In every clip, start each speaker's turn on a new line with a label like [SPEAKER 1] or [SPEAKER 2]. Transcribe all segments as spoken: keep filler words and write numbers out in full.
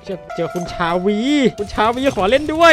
[SPEAKER 1] เจอเจอคุณชาวีคุณชาวีขอเล่นด้วย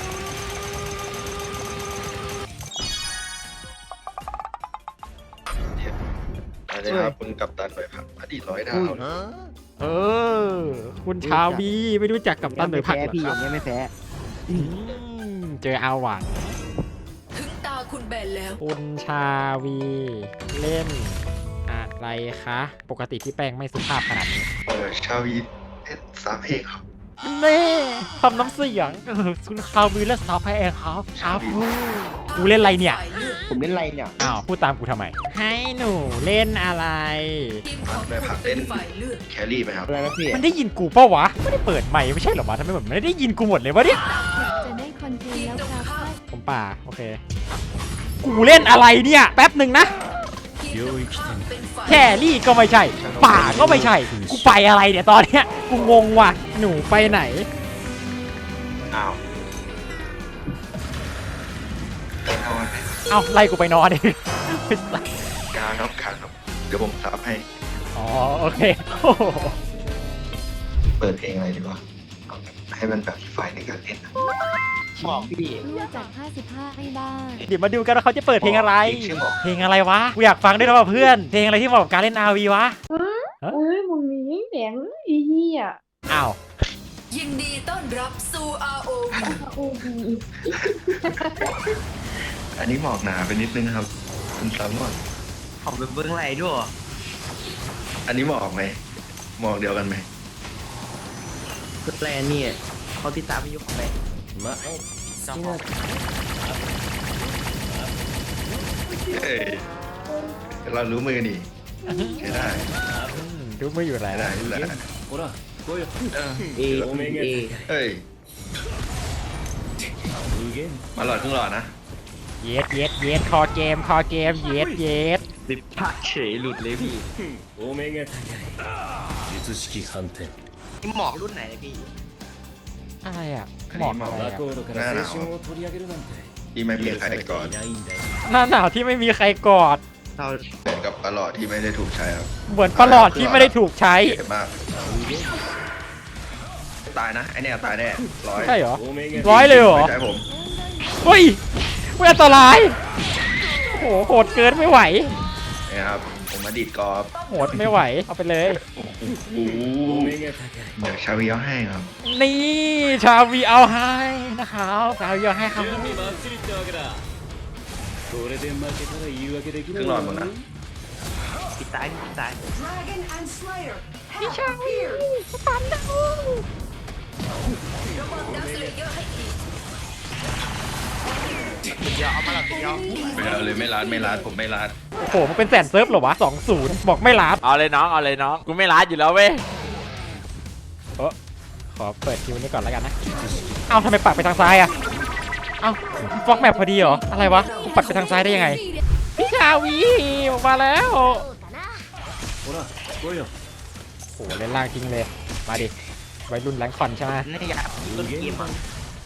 [SPEAKER 2] อะไรครับคุณกัปตันหน่อยครับอดีตร้อยดาว
[SPEAKER 1] เออคุณชาวีไม่รู้จักกับตันหน่อยผักเหรอ
[SPEAKER 3] พี่
[SPEAKER 1] ค
[SPEAKER 3] อ
[SPEAKER 1] รับ
[SPEAKER 3] ย่างเงี้ยไม่แพ้
[SPEAKER 1] อืมเจออาหวัง
[SPEAKER 4] ถึงตาคุณแบนแล้ว
[SPEAKER 1] คุณชาวีเล่นอะไรคะปกติพี่แป้งไม่สุภาพขนาดนี้
[SPEAKER 2] เออชาวีเล่นสามเพลงครับ
[SPEAKER 1] เน่ทำน้ำเสียงเออคุณชาวีเล่นสาวแพงครับครับกูเล่นอะไรเนี่ย
[SPEAKER 3] ผมเล่นอะไรเนี่ย
[SPEAKER 1] อ้าวพูดตามกูทำไมให้หนูเล่นอะไร
[SPEAKER 4] ทีมของคุณเป็นฝ่ายเลือก
[SPEAKER 2] แครี่ไหมครับ
[SPEAKER 3] อะไรนะพี่
[SPEAKER 1] มันได้ยินกูเปล่าวะไม่ได้เปิดไมค์ไม่ใช่เหรอวะทำไมแบบไม่ได้ยินกูหมดเลยวะเนี่ย
[SPEAKER 5] จะได้คอนเทนต์แล้วครับ
[SPEAKER 1] ผมป่าโอเคกูเล่นอะไรเนี่ยแป๊บหนึ่งนะ
[SPEAKER 4] ทีมตรงข้ามเป็นฝ่าย
[SPEAKER 1] แครี่ก็ไม่ใช่ป่าก็ไม่ใช่กูไปอะไรเนี่ยตอนเนี้ยกูงงว่ะหนูไปไหน
[SPEAKER 2] อ้าวเอาไว้
[SPEAKER 1] เอาไล่กูไปนอนดิ
[SPEAKER 2] กลางครับกลางครับเดี๋ยวผมซับให้
[SPEAKER 1] อ๋อโอเคโอ้โห
[SPEAKER 2] เปิดเพลงอะไรดีวะเอาแบบให้มันแบบไฟในการเล่นนะ
[SPEAKER 3] บอกพี่
[SPEAKER 5] เลือกจากห้าสิบห้าให้บ้าง
[SPEAKER 1] เดี๋ยวมาดูกันว่าเขาจะเปิดเพลงอะไร
[SPEAKER 2] ชื่อบอก
[SPEAKER 1] เพลงอะไรวะกูอยากฟังด้วยนะว่ะเพื่อนเพลงอะไรที่เหมาะกับการเล่น อาร์ วี วะ
[SPEAKER 6] เอ้ยมึงมีแดงอีเหี้ย
[SPEAKER 1] อ้าว
[SPEAKER 4] ยินดีต้อนรับสู่ อาร์ โอ วี
[SPEAKER 6] โอ้ดี
[SPEAKER 2] อันนี้หมอกหนาไปนิดนึงครับคุณซับหน่อย
[SPEAKER 3] ผมเป็นเบื้องไรด้วย
[SPEAKER 2] อันนี้หมอกไหมหมอกเดียวกันไหม
[SPEAKER 3] คือแปลเนี่ยเขาติดตามไม่ยุคไปมา
[SPEAKER 2] เฮ้ยเรารู้มือนี่ใช้ได้
[SPEAKER 1] อืมดูไม่อยู่ไหน
[SPEAKER 2] ใช้ได้
[SPEAKER 1] นะ
[SPEAKER 2] นี่แหละเออ
[SPEAKER 3] เอเอ
[SPEAKER 2] เฮ้ยมาหลอดครึ่งหลอดนะ
[SPEAKER 1] เย็ดเย็ดเย็ดคอเกมคอเกมเย็ดเย็ด
[SPEAKER 3] ติดพักเฉยหลุดเลยพี่
[SPEAKER 7] お目が高い術式反転
[SPEAKER 3] นี่หมอกรุ่นไหนเนี่ยพี่
[SPEAKER 1] อะไรอ่ะ
[SPEAKER 2] อัน
[SPEAKER 1] หมอ
[SPEAKER 2] นี้
[SPEAKER 1] ก
[SPEAKER 2] หมอก
[SPEAKER 1] อะไร
[SPEAKER 7] バ
[SPEAKER 1] อ่ะ
[SPEAKER 7] コードから青春を取り上げるなんて
[SPEAKER 2] ที่ไม่มีใครก่อน
[SPEAKER 7] いないんだよ
[SPEAKER 1] หน้าหนาวที่ไม่มีใครกอด
[SPEAKER 3] เรา
[SPEAKER 2] เหมือนกับปลาหลอดที่ไม่ได้ถูกใช้ครับ
[SPEAKER 1] เหมือนประหลอดที่ไม่ได้ถูกใช้
[SPEAKER 2] เจ็บมากตายนะไอเนี่ยตายแน่ร้อย
[SPEAKER 1] ใช่เหรอ
[SPEAKER 7] お目が
[SPEAKER 1] ร้อยเลยเหรอ
[SPEAKER 2] ไม่ใช่ผม
[SPEAKER 1] เฮ้ยไม่อันตราย โอ้โหโหดเกินไม่ไหว
[SPEAKER 2] เนี่ยครับผมมาดีดกอล์ฟ
[SPEAKER 1] โหดไม่ไหว เอาไปเลย
[SPEAKER 2] โอ้โห
[SPEAKER 7] お目が高い
[SPEAKER 2] เดี๋ยวชาวีเอาให้ครับ
[SPEAKER 1] นี่ชาวีเอาให้นะครับชาวีเอาให้ครับ
[SPEAKER 7] 準備バッチリってわけだこれで負けたら言い訳でき
[SPEAKER 2] ค
[SPEAKER 7] な
[SPEAKER 2] รึ่
[SPEAKER 7] い
[SPEAKER 2] งหลอดหมดนะ
[SPEAKER 3] ติดตายติดตาย
[SPEAKER 4] Dragon and Slayer
[SPEAKER 1] พี่ชาวีสตันดาว
[SPEAKER 4] ระวังดักสเลเยอร์ให้ดี
[SPEAKER 3] เดี๋ยวเอามาหลับเดี๋ยว
[SPEAKER 2] ไม่เอาเลยไม่รัดไม่รัดผมไม่รัด
[SPEAKER 1] โอ้โหมันเป็นแสนเซิร์ฟเหรอวะสองศูนย์บอกไม่รับ
[SPEAKER 8] เอาเลยน้องเอาเลยน้องกูไม่ร้านอยู่แล้วเว้ย
[SPEAKER 1] เออขอเปิดคิวนี้ก่อนแล้วกันนะ เอ้าทำไมปักไปทางซ้ายอะเอ้าฟอกแมปพอดีเหรอ อะไรวะกูปักไปทางซ้ายได้ยังไง พี่ชาวีออกมาแล้ว
[SPEAKER 7] ほら来いよ
[SPEAKER 1] โอ้โหเล่นล่างทิ้งเลย มาดิวัยรุ่นแรงคอนใช่ไหม
[SPEAKER 3] นี่อยากต้นเกมอ่ะ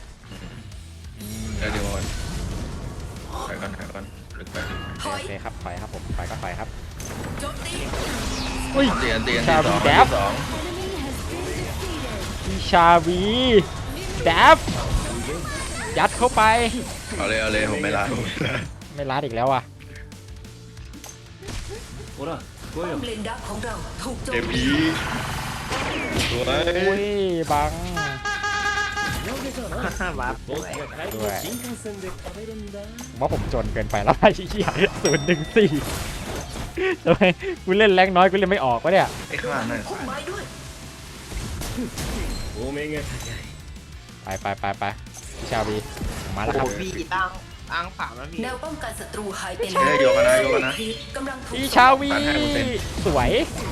[SPEAKER 2] เดี๋ยวเดี๋ยวก่อนถอยก่อนถอยก่อนลึกไปลึกไป
[SPEAKER 4] ถ
[SPEAKER 1] โอ
[SPEAKER 4] อย
[SPEAKER 1] เคครับถอยครับผมถอยก็ถอยครับ
[SPEAKER 4] โจมตี
[SPEAKER 1] อุ้ย
[SPEAKER 2] เตียนเตียน
[SPEAKER 1] ชา
[SPEAKER 2] ที่
[SPEAKER 1] วี
[SPEAKER 2] สอง
[SPEAKER 1] แด
[SPEAKER 2] ที่
[SPEAKER 1] บ
[SPEAKER 2] สอง
[SPEAKER 1] พี่ชาวีแดบยัดเข้าไป
[SPEAKER 2] เอาเลยเอาเลยผมไม่รัดผมไม่รัด
[SPEAKER 1] ไม่รัดอีกแล้วอ่ะ
[SPEAKER 7] ほら来い
[SPEAKER 4] ป้อ
[SPEAKER 7] よ
[SPEAKER 4] มเลนดักของเราถูกโจ
[SPEAKER 2] เอ
[SPEAKER 4] ม
[SPEAKER 2] พี
[SPEAKER 4] ตี
[SPEAKER 2] สวย
[SPEAKER 1] อุ้ยบัง
[SPEAKER 3] วาร์ป
[SPEAKER 7] 僕が帰りの新幹線で食べるんだ
[SPEAKER 1] ผมว่าผมจนเกินไปแล้วไอ้เหี้ยศูนย์หนึ่งสี่ทำไมกูเล่นแรงน้อยกูเล่นไม่ออกวะเนี่ย
[SPEAKER 2] ไอ้ข้างหลังนั่น
[SPEAKER 4] พุ่มไม้ด้วย
[SPEAKER 7] お目が高い
[SPEAKER 1] ไปไปไปไปพี่ชาวีผมมาแล้วค
[SPEAKER 3] โอ้
[SPEAKER 1] รับ
[SPEAKER 3] พี่ตั้งอ้างฝาแล้วพี่
[SPEAKER 4] แนวป้องกันศัตรูหายไป
[SPEAKER 2] เฮ้ยโยกกันนะโยกกันนะ
[SPEAKER 4] กำลังถูก
[SPEAKER 1] พี่ชาวีสวย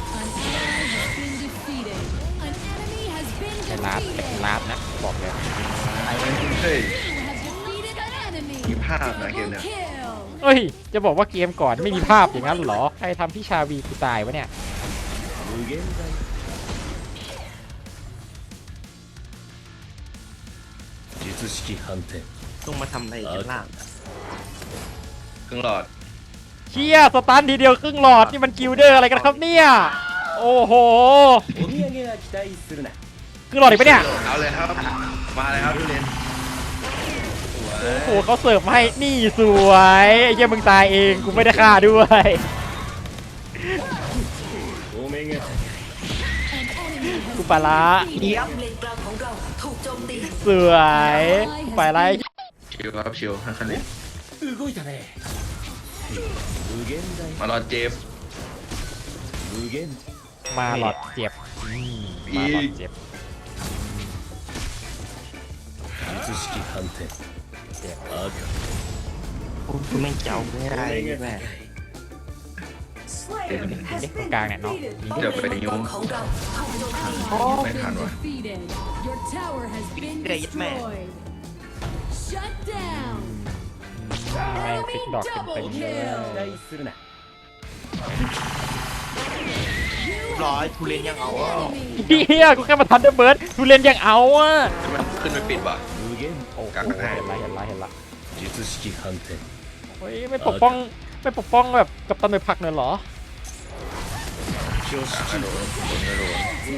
[SPEAKER 1] ไม่ลาดแต่ลาดนะบอกเลย
[SPEAKER 2] เฮ้ยมีภาพนะเกมเนี่ย
[SPEAKER 1] เอ้ยจะบอกว่าเกมก่อนไม่มีภาพอย่างนั้นเหรอใครทำพี่ชาวีกูตายวะเนี่ย
[SPEAKER 7] 無限大術式反転
[SPEAKER 3] ต้องมาทำอะไรกันล่าง
[SPEAKER 2] ครึ่งหลอด
[SPEAKER 1] เชี่ยสตันทีเดียวครึ่งหลอดนี่มันกิลเดอร์อะไรกันครับเนี่ยโอ้โห
[SPEAKER 7] お土産は期待するな
[SPEAKER 1] ครึ่งหลอดอีกปะเนี่ย
[SPEAKER 2] เอาเลยครับ มาเลยครับทุเรียน
[SPEAKER 1] โอ้โหเขาเสิร์ฟมาให้นี่สวยไอ้เหี้ยมึงตายเองกูไม่ได้ฆ่าด้วย
[SPEAKER 7] お目が
[SPEAKER 1] กูปลาละ
[SPEAKER 3] เยี่ยม
[SPEAKER 4] เลนกลางของเราถูกโจมตี
[SPEAKER 1] สวยกูปลาละ
[SPEAKER 2] ชิวครับชิวฮันคันนี้
[SPEAKER 7] 動いたね無限大
[SPEAKER 2] มารอเจฟ
[SPEAKER 7] 無限
[SPEAKER 1] มาหลอดเจ็บอืมมาหลอดเจ็บ
[SPEAKER 7] 術式反転赤
[SPEAKER 3] กูไม่เจ้าไม่ได้
[SPEAKER 7] お目
[SPEAKER 3] แม่
[SPEAKER 7] が
[SPEAKER 1] เด็กตรงกลางเนี่ยเนาะนี่
[SPEAKER 2] เดี๋ยวไปนิ้ว
[SPEAKER 4] ของเราถูกโจมตี
[SPEAKER 3] โอ้
[SPEAKER 2] ไม่ทันวะ
[SPEAKER 9] Your tower has been
[SPEAKER 3] Great man.
[SPEAKER 9] destroyed. Shut down.
[SPEAKER 1] แม่งติ๊กดอกเต็มๆเลย
[SPEAKER 7] 期待するな
[SPEAKER 3] ร้อยทุเรียนยังเอาอ่ะ
[SPEAKER 1] เฮียกูแค่มาทันเดอร์เบิร์ดทุเรียนยังเอาอ่ะ
[SPEAKER 2] มันขึ้นไปปิดว่ะ
[SPEAKER 7] 無限
[SPEAKER 1] โอ้โห
[SPEAKER 2] กลาง
[SPEAKER 1] เห็น
[SPEAKER 2] ให้
[SPEAKER 1] ละเห็นละเห็นละ
[SPEAKER 7] 術式反転
[SPEAKER 1] เฮ้ยไม่ปกป้องไม่ปกป้องแบบกับตันไปพักเลยเหรอ
[SPEAKER 7] 挙式
[SPEAKER 2] กระโดดกระโดด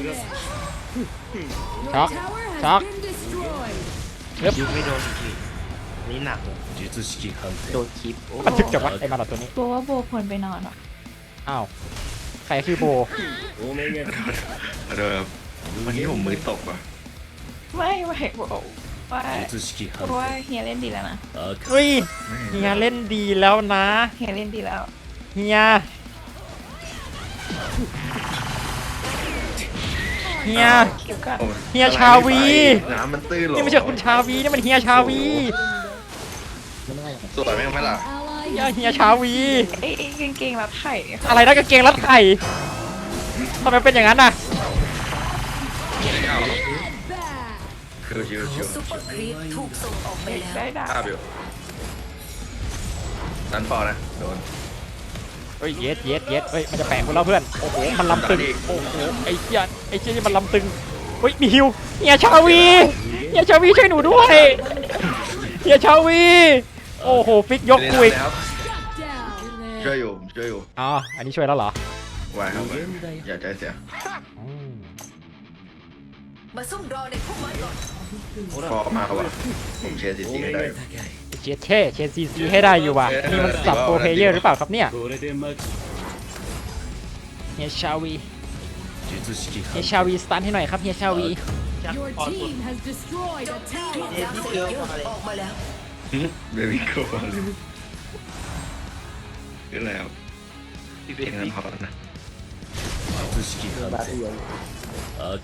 [SPEAKER 9] Your
[SPEAKER 1] Chuck.
[SPEAKER 9] tower has
[SPEAKER 1] Chuck.
[SPEAKER 9] been destroyed.
[SPEAKER 3] ยุบไม่โดนอีกทีนี่หนัก
[SPEAKER 7] 術式反
[SPEAKER 3] โด
[SPEAKER 7] 転
[SPEAKER 3] นคลิปโอ้
[SPEAKER 1] มันถึกจังวะไอ้มาหลอดตัวนี้
[SPEAKER 5] กลัวว่าโบควรไปนอนอ่ะ
[SPEAKER 1] อ้าวใครคือโบ
[SPEAKER 7] お目が
[SPEAKER 2] กระโดดครับวันนี้ผมมือตกว่ะ
[SPEAKER 5] ไม่ไม่บอกว่า
[SPEAKER 7] 術式
[SPEAKER 5] เพ
[SPEAKER 7] 反
[SPEAKER 5] ราะว่า
[SPEAKER 7] 転
[SPEAKER 5] เฮียเล่นดีแล้วนะ
[SPEAKER 7] 赤
[SPEAKER 1] เฮ้ยเฮียเล่นดีแล้วนะ
[SPEAKER 5] เฮียเล่นดีแล้ว
[SPEAKER 1] เฮียเฮีย
[SPEAKER 5] เกี่ยวกับ
[SPEAKER 2] โอ้
[SPEAKER 1] เฮียชาวี
[SPEAKER 2] น้ำมันตื้นหรอ
[SPEAKER 1] นี่ไม่ใช่คุณชาวีนี่มันเฮียชาวี
[SPEAKER 2] สวยไหมไหมล่ะ
[SPEAKER 9] Ally
[SPEAKER 1] เฮีย
[SPEAKER 9] has
[SPEAKER 1] เฮียชาวี
[SPEAKER 5] ไอ้ไอ้กางเกงรัดไข่
[SPEAKER 1] อะไรนะกางเกงรัดไข่ทำไมเป็นอย่างนั้นน่ะ
[SPEAKER 2] เอาหรอ
[SPEAKER 9] back.
[SPEAKER 2] ชิวชิวชิว
[SPEAKER 4] ซุปเปอร์ครีปถูกส่งออกไปแล้ว
[SPEAKER 5] ได้ด่า
[SPEAKER 2] ภาพอยู่นันปอนะโดน
[SPEAKER 1] เฮ้ยเย็ดเย็ดเย็ดเฮ้ยมันจะแปะกูแล้วเพื่อนโอ้โหมันลำตึงโอ้โหไอ้เหี้ยไอ้เหี้ยนี่มันลำตึงเฮ้ยมีฮิวเฮียชาวีเฮียชาวีช่วยหนูด้วยเฮียชาวีโอ้โหฟิกยกกูอีก
[SPEAKER 2] ครับ
[SPEAKER 9] Shut down.
[SPEAKER 2] ช่วยอยู่ช่วยอยู่
[SPEAKER 1] อ๋ออันนี้ช่วยแล้วเหรอ
[SPEAKER 2] ไหวครับไหวอย่าใจเสีย
[SPEAKER 1] อืม
[SPEAKER 4] มาซุ่มรอในพุ่มไม้ก่อน
[SPEAKER 2] ฟอร์มาว่ะผมเชียร์ซีซี
[SPEAKER 7] お
[SPEAKER 2] ให้
[SPEAKER 7] 目
[SPEAKER 2] ได้
[SPEAKER 7] が
[SPEAKER 2] อยู่
[SPEAKER 7] 高い
[SPEAKER 1] เชียร์เช่เชียร์ซีซีให้ได้อยู่ว่ะนี่มันสับโปรเพลเยอร์หรือเปล่าครับเนี่ย
[SPEAKER 7] これで負け
[SPEAKER 1] เฮียชาวี
[SPEAKER 7] 術式
[SPEAKER 1] เฮีย
[SPEAKER 7] 反
[SPEAKER 1] ชาวีสตันให้หน่อยครับเฮียชาวี
[SPEAKER 9] Your team has destroyed a
[SPEAKER 4] ทีม
[SPEAKER 9] tower.
[SPEAKER 4] จากเซเยอร์ออกมาแล้ว
[SPEAKER 2] เบบี้โก้เลยขึ้นแล้วพี่เป็นงั้นพอนะ
[SPEAKER 7] 術式反転赤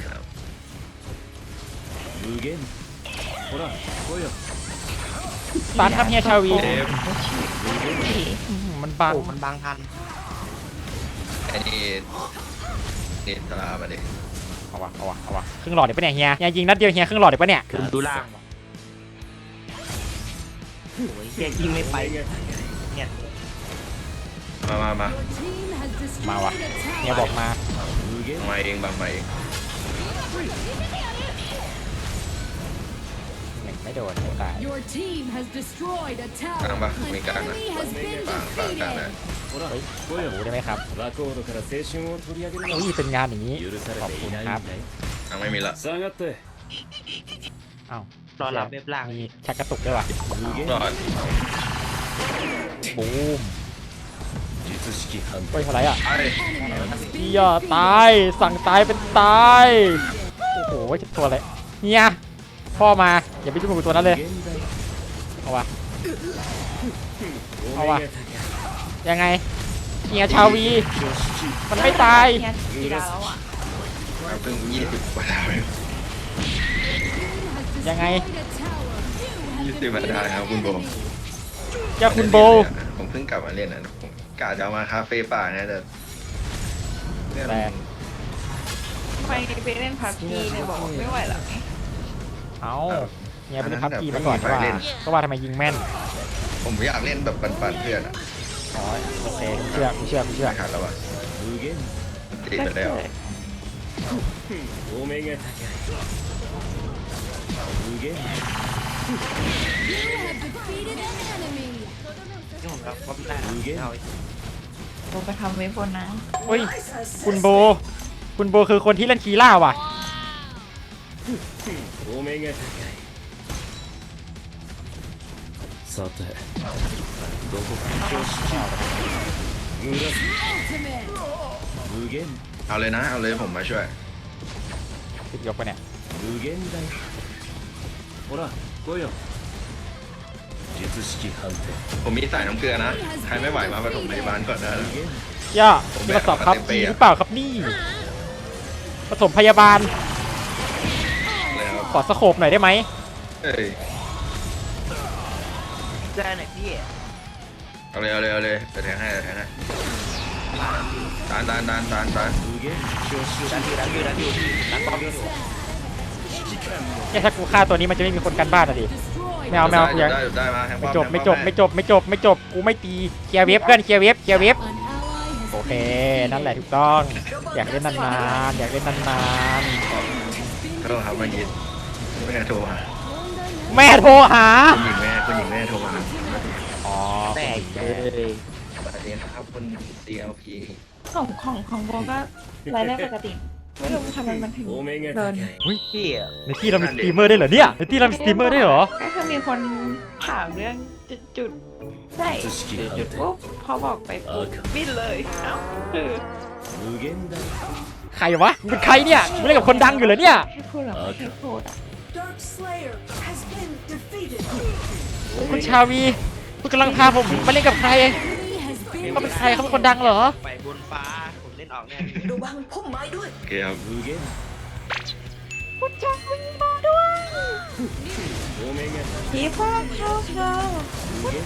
[SPEAKER 7] 無限ほら来いよ
[SPEAKER 1] สตันครับเฮียชาวี
[SPEAKER 2] เจฟ
[SPEAKER 1] อืมมันบัง
[SPEAKER 3] โอ้มันบางทัน
[SPEAKER 2] ไอ้นี่นี่ตรามาดิ
[SPEAKER 1] เอาวะเอาวะเอาวะครึ่งหลอดเดี๋ยวปะเนี่ยเฮียเฮียยิงนัดเดียวเฮียครึ่งหลอดเดี๋ยวปะเนี่ย
[SPEAKER 3] คุณดูล่างโอ้ยแกยิงไม่ไปเนี่ย
[SPEAKER 2] มามามา
[SPEAKER 9] Your team has destroyed
[SPEAKER 1] มาวะ
[SPEAKER 9] a
[SPEAKER 1] เฮีย
[SPEAKER 9] tower.
[SPEAKER 1] บอกมา
[SPEAKER 7] 無限
[SPEAKER 2] มาเองบางมาเอง
[SPEAKER 1] หนึ่งไม่โดนไม่ตาย
[SPEAKER 9] Your team has destroyed a
[SPEAKER 2] กลาง
[SPEAKER 9] tower.
[SPEAKER 2] ปะ
[SPEAKER 9] An
[SPEAKER 2] มีกลางนะ
[SPEAKER 9] enemy has been
[SPEAKER 2] ปางปางกลางนะ
[SPEAKER 9] defeated.
[SPEAKER 7] ほら
[SPEAKER 1] เฮ้ย
[SPEAKER 7] 来いよ
[SPEAKER 1] รู้ได้ไหมครับ
[SPEAKER 7] バコードから青春を取り上げる
[SPEAKER 1] อุ้ยเป็นงานอย่างนี้
[SPEAKER 7] 許され
[SPEAKER 1] ขอบ
[SPEAKER 7] て
[SPEAKER 1] คุ
[SPEAKER 7] い
[SPEAKER 1] ณ
[SPEAKER 7] ないん
[SPEAKER 1] ครับ
[SPEAKER 7] だよ
[SPEAKER 2] กลางไม่มีละ
[SPEAKER 7] 下がって
[SPEAKER 1] อ้าว
[SPEAKER 3] รอรับเว็บล่าง
[SPEAKER 1] มีชักกระตุกด้วยว่ะ
[SPEAKER 7] 無限
[SPEAKER 2] รอด
[SPEAKER 1] บูม
[SPEAKER 7] 術式反
[SPEAKER 1] เฮ้ย
[SPEAKER 7] 転
[SPEAKER 1] อะไรอ่ะ
[SPEAKER 2] ไอ้
[SPEAKER 1] เฮียตายสั่งตายเป็นตายโอ้โหจะตัวอะไรเฮียพ่อมาอย่าไปยุ่งกับตัวนั้นเลย
[SPEAKER 7] 無限大
[SPEAKER 1] เอาวะ
[SPEAKER 7] お目
[SPEAKER 1] เอา
[SPEAKER 7] が
[SPEAKER 1] วะ
[SPEAKER 7] 高い
[SPEAKER 1] ยังไงเฮียชาวี
[SPEAKER 7] 挙式
[SPEAKER 1] มันไม่ตาย
[SPEAKER 5] เฮียดีแล้วอ่ะ
[SPEAKER 2] เพิ่งยี่สิบกว่าดาวเอง
[SPEAKER 1] ยังไง
[SPEAKER 2] ยี่สิบกว่าดาวครับคุณโบ
[SPEAKER 1] ยาคุณโบ
[SPEAKER 2] ผมเพิ่งกลับมาเล่นนะผมกะจะเอามาคาเฟ่ป่าเนี่ยแต่เนี่ย
[SPEAKER 1] แต่
[SPEAKER 5] ไปไปเล่นพับจีเลยบอกไม่ไหวแล้วไง
[SPEAKER 1] เอาเฮียไปเล่นพับจีมาก่อนว่าก็ว่าทำไมยิงแม่น
[SPEAKER 2] ผมอยากเล่นแบบปันๆเพื่อนอ่ะ
[SPEAKER 1] อ๋อโอเคกูเชื่อกูเชื่อกูเชื่อ
[SPEAKER 2] ไม่ทันแล้วอ่ะ
[SPEAKER 7] 無限
[SPEAKER 2] ตีไปแล้ว
[SPEAKER 7] お目が高い無限
[SPEAKER 9] You have defeated an enemy.
[SPEAKER 3] นี่ผมรับว่าไม่ได้เอา
[SPEAKER 5] โบไปทำเว็บบนนะ
[SPEAKER 1] เฮ้ยคุณโบ คุณโบคือคนที่เล่นคีล่าว่ะ
[SPEAKER 7] お目が高いさてどこか挙式紫
[SPEAKER 9] Ultimate.
[SPEAKER 7] 無限
[SPEAKER 2] เอาเลยนะเอาเลยผมมาช่วย
[SPEAKER 1] ติดยกไปเนี่ย
[SPEAKER 7] 無限大ほら来いよ術式判定
[SPEAKER 2] ผมมีสายน้ำเกลือนะใครไม่ไหวมาปฐมพยาบาลก่อนนะ
[SPEAKER 7] 無限
[SPEAKER 1] ย่ามีกระสอบครับดีหรือเปล่าครับนี่ผสมพยาบาล
[SPEAKER 2] เลยครับ
[SPEAKER 1] ขอสโคปหน่อยได้ไหม
[SPEAKER 2] เอ้ย
[SPEAKER 3] ได้ไหนพี่
[SPEAKER 2] เอาเลยเอาเลยเอาเลยจะแทงให้จะแทงให้ตานตานตานตานตาน
[SPEAKER 7] 無限挙式
[SPEAKER 3] ดันอยู่ดันอยู่ดันอยู่ดันป้อมอยู่
[SPEAKER 1] เนี่ยถ้ากูฆ่าตัวนี้มันจะไม่มีคนกันบ้านอ่ะดิ
[SPEAKER 9] Destroyed.
[SPEAKER 1] ไม่เอาไม่เอากู
[SPEAKER 2] ได้
[SPEAKER 1] ยัง
[SPEAKER 2] ได้ได้มาแทง
[SPEAKER 1] ไม่
[SPEAKER 2] ป้อม
[SPEAKER 1] จบ
[SPEAKER 2] แทง
[SPEAKER 1] ไม่
[SPEAKER 2] ป้
[SPEAKER 1] จ
[SPEAKER 2] อบ
[SPEAKER 1] ไม่จบไม่จบไม่จบกูไม่ตีเคลียร์เวฟเพื่อนเคลียร์เวฟเคลียร์เวฟเคลียร์เวฟ
[SPEAKER 9] An ally has
[SPEAKER 1] โอเคนั่นแหละถูกต้อง อยากเล่นนานๆอยากเล่นนาน
[SPEAKER 2] โทษครับเมื่อกี้แม่โทรมา
[SPEAKER 1] ๆแม่โทรหา
[SPEAKER 2] คุณหญิงแม่คุณหญิงแม่โทรมา
[SPEAKER 1] อ๋อ
[SPEAKER 3] แตกเลย
[SPEAKER 2] สวัสดีครับคุณ ซี แอล พี
[SPEAKER 5] ของของของโบก็รายได้ปกติ ไม่รู้ทำไมมันถึง
[SPEAKER 7] お目が
[SPEAKER 5] เดิ
[SPEAKER 7] 高
[SPEAKER 5] น
[SPEAKER 7] い
[SPEAKER 3] พี่อะ
[SPEAKER 1] ในที่เรามีสตรีมเมอร์ได้วยเหรอเนี่ยในที่เรามีสตรีมเมอร์ได้วยเหรอ
[SPEAKER 5] ก็คือมีคนถามเรื่องจุดจุดๆใช่
[SPEAKER 7] 術式判定
[SPEAKER 5] ปุ๊บพอบอกไปปุ๊บบินเลย เอ้าคือ
[SPEAKER 7] 無限大
[SPEAKER 1] ใครวะมึงเป็นใครเนี่ยมึงเล่นกับคนดังอยู่เหรอเนี่ย
[SPEAKER 5] ให้พูดหรอไม่ให้พูดอ่ะ
[SPEAKER 4] Dark Slayer has been defeated
[SPEAKER 1] คุณชาวีคุณกำลังพาผมมาเล่นกับใคร
[SPEAKER 9] enemy has been
[SPEAKER 1] เขาเป็นใครเขาเป็นคนดังเหรอ
[SPEAKER 3] ไปบนฟ้าผมเล่นออกแน่
[SPEAKER 4] ระวังพุ่มไม้ด้วย
[SPEAKER 2] โอเคครับ
[SPEAKER 7] 無限お目が
[SPEAKER 5] พี่พ่อเข้าเข้า
[SPEAKER 7] 無限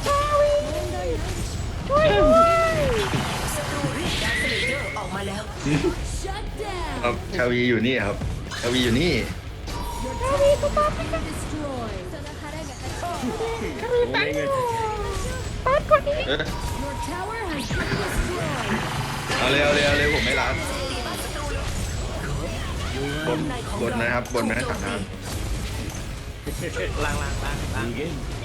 [SPEAKER 4] ศัตรูเรียกดาร์คสเลเยอร์ออกมาแล้ว
[SPEAKER 9] shut
[SPEAKER 2] ครั
[SPEAKER 9] down.
[SPEAKER 2] บชาวีอยู่นี่ครับชาวีอยู่นี่
[SPEAKER 9] Your tower has been destroyed.
[SPEAKER 7] お目が高い
[SPEAKER 2] เอ้ย
[SPEAKER 9] Your tower has been destroyed.
[SPEAKER 2] เอาเลยเอาเลยเอาเลยผมไม่รับบนบนนะครับบนนะสามทาง
[SPEAKER 3] ล่างล่างล่างล่าง
[SPEAKER 7] 無限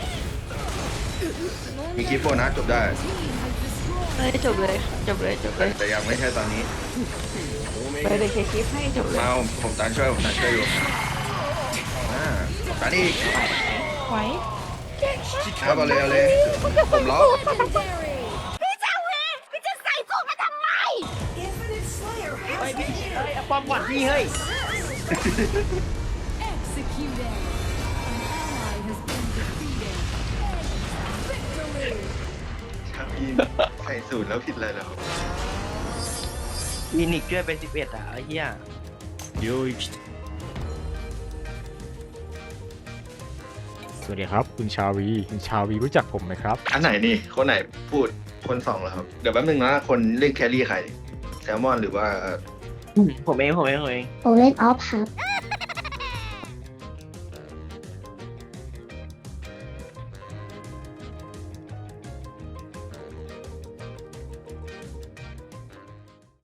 [SPEAKER 2] มีคลิปโฟนะจบได้
[SPEAKER 9] Team has destroyed.
[SPEAKER 5] เลยจบเลยจบเลยจบเลย
[SPEAKER 2] แต่ยังไม่ใช่ตอนนี้
[SPEAKER 7] お目
[SPEAKER 5] ไป
[SPEAKER 7] が
[SPEAKER 5] เลยเคคลิปให้จบเลย
[SPEAKER 2] มาผมผมตานช่วยผมตานช่วยอยู่อ่าผมตานอีก
[SPEAKER 5] ไว้
[SPEAKER 2] ครับเอาเลยเอาเลยผมล็อก
[SPEAKER 9] Legendary.
[SPEAKER 4] Infinite Slayer has
[SPEAKER 3] เฮ้ย
[SPEAKER 4] been
[SPEAKER 3] พี่เฮ้ยเอาป้อมก่อนพี่เฮ้ย
[SPEAKER 9] Executed. An ally has been defeated. Victory.
[SPEAKER 2] ชาวีใส่สูตรแล้วผิดอะไรเหรอ
[SPEAKER 3] มีนิกช่วยเป็นสิบเอ็ดอ่ะไอ้เหี้ย
[SPEAKER 7] 領域
[SPEAKER 1] สวัสดีครับคุณชาวีคุณชาวีรู้จักผมไหมครับ
[SPEAKER 2] อันไหนนี่คนไหนพูดคนสองเหรอครับเดี๋ยวแป๊บนึงนะคนเล่นแครี่ใครแซลมอนหรือว่า
[SPEAKER 3] ผมเองผมเองผมเอง
[SPEAKER 6] ผมเล่นออฟครับ
[SPEAKER 9] An